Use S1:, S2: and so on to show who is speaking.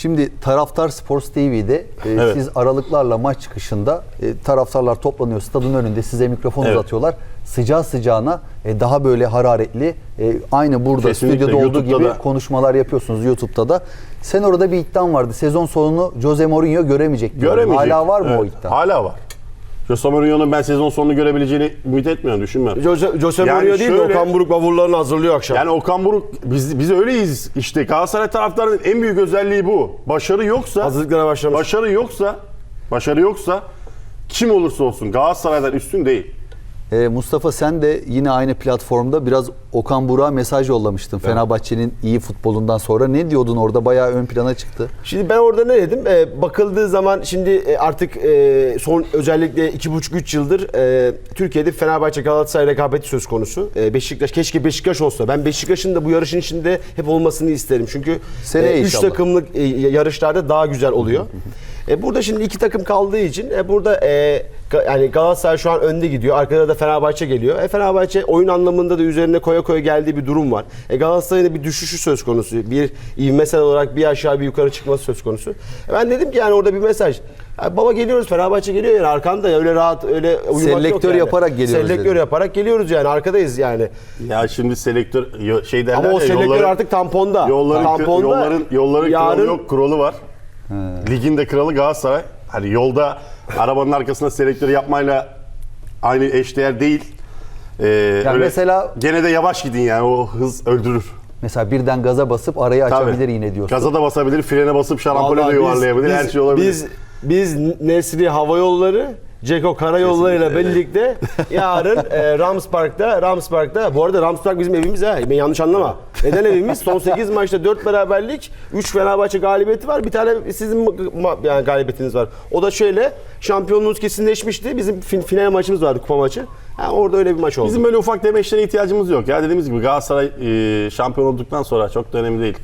S1: Şimdi Taraftar Sports TV'de
S2: Evet.
S1: siz aralıklarla maç çıkışında taraftarlar toplanıyor stadın önünde, size mikrofon
S2: Evet.
S1: uzatıyorlar. Sıcağı sıcağına daha böyle hararetli aynı burada
S2: Kesinlikle.
S1: stüdyoda olduğu
S2: YouTube'da
S1: gibi
S2: da.
S1: konuşmalar yapıyorsunuz YouTube'da da. Sen orada bir iddian vardı. Sezon sonunu Jose Mourinho göremeyecek diyor.
S2: Göremeyecek.
S1: Hala var mı
S2: Evet,
S1: o iddia?
S2: Hala var. Jose Mourinho'nun ben sezon sonunu görebileceğini ümit etmiyorum, düşünmüyorum.
S3: Jose
S2: Yani
S3: Mourinho değil de
S2: şöyle-
S3: Okan Buruk bavullarını hazırlıyor akşam.
S2: Yani Okan Buruk, biz öyleyiz işte. Galatasaray taraftarının en büyük özelliği bu. Başarı yoksa,
S3: Hazırlıklara başlamış.
S2: başarı yoksa kim olursa olsun Galatasaray'dan üstün değil.
S1: Mustafa, sen de yine aynı platformda biraz Okan Buruk'a mesaj yollamıştın. Evet. Fenerbahçe'nin iyi futbolundan sonra. Ne diyordun orada? Bayağı ön plana çıktı.
S3: Şimdi ben orada ne dedim? Bakıldığı zaman şimdi artık son özellikle 2,5-3 yıldır Türkiye'de Fenerbahçe Galatasaray rekabeti söz konusu. Beşiktaş, keşke Beşiktaş olsa. Ben Beşiktaş'ın da bu yarışın içinde hep olmasını isterim. Çünkü
S1: Seneye
S3: 3
S1: inşallah.
S3: takımlık yarışlarda daha güzel oluyor. Burada şimdi 2 takım kaldığı için burada yani Galatasaray şu an önde gidiyor. Arkada da Fenerbahçe geliyor. Fenerbahçe oyun anlamında da üzerine koya koya geldiği bir durum var. Galatasaray'ın da bir düşüşü söz konusu. Bir ivmesel olarak bir aşağı bir yukarı çıkması söz konusu. Ben dedim ki yani orada bir mesaj. Baba geliyoruz, Fenerbahçe geliyor yani arkanda, öyle rahat öyle uyumak yok
S1: Selektör
S3: yani.
S1: yaparak geliyoruz
S3: Selektör
S1: dedim.
S3: yaparak geliyoruz yani, arkadayız yani.
S2: Ya şimdi selektör şey derler
S3: Ama o
S2: ya,
S3: selektör artık tamponda.
S2: Yolların kralı yok, kralı var. Ligin de kralı Galatasaray. Hani yolda arabanın arkasına selektörü yapmayla aynı eşdeğer değil. Öyle
S1: mesela
S2: gene de yavaş gidin yani, o hız öldürür.
S1: mesela birden gaza basıp arayı açabilir
S2: Tabii.
S1: yine diyorsun.
S2: Gaza da basabilir, frene basıp şarampole de
S3: Vallahi
S2: yuvarlayabilir, her şey olabilir.
S3: Biz Nesri Hava Yolları, Ceko Karayolları'yla birlikte yarın Ramspark'ta, bu arada Ramspark bizim evimiz ha, ben yanlış anlama. Neden evimiz? Son 8 maçta 4 beraberlik, 3 Fenerbahçe galibiyeti var, bir tane sizin yani galibiyetiniz var. O da şöyle, şampiyonluğunuz kesinleşmişti, bizim final maçımız vardı, kupa maçı. Orada öyle bir maç oldu.
S2: Bizim böyle ufak demeçlere ihtiyacımız yok. Ya dediğimiz gibi Galatasaray şampiyon olduktan sonra çok da önemli değil.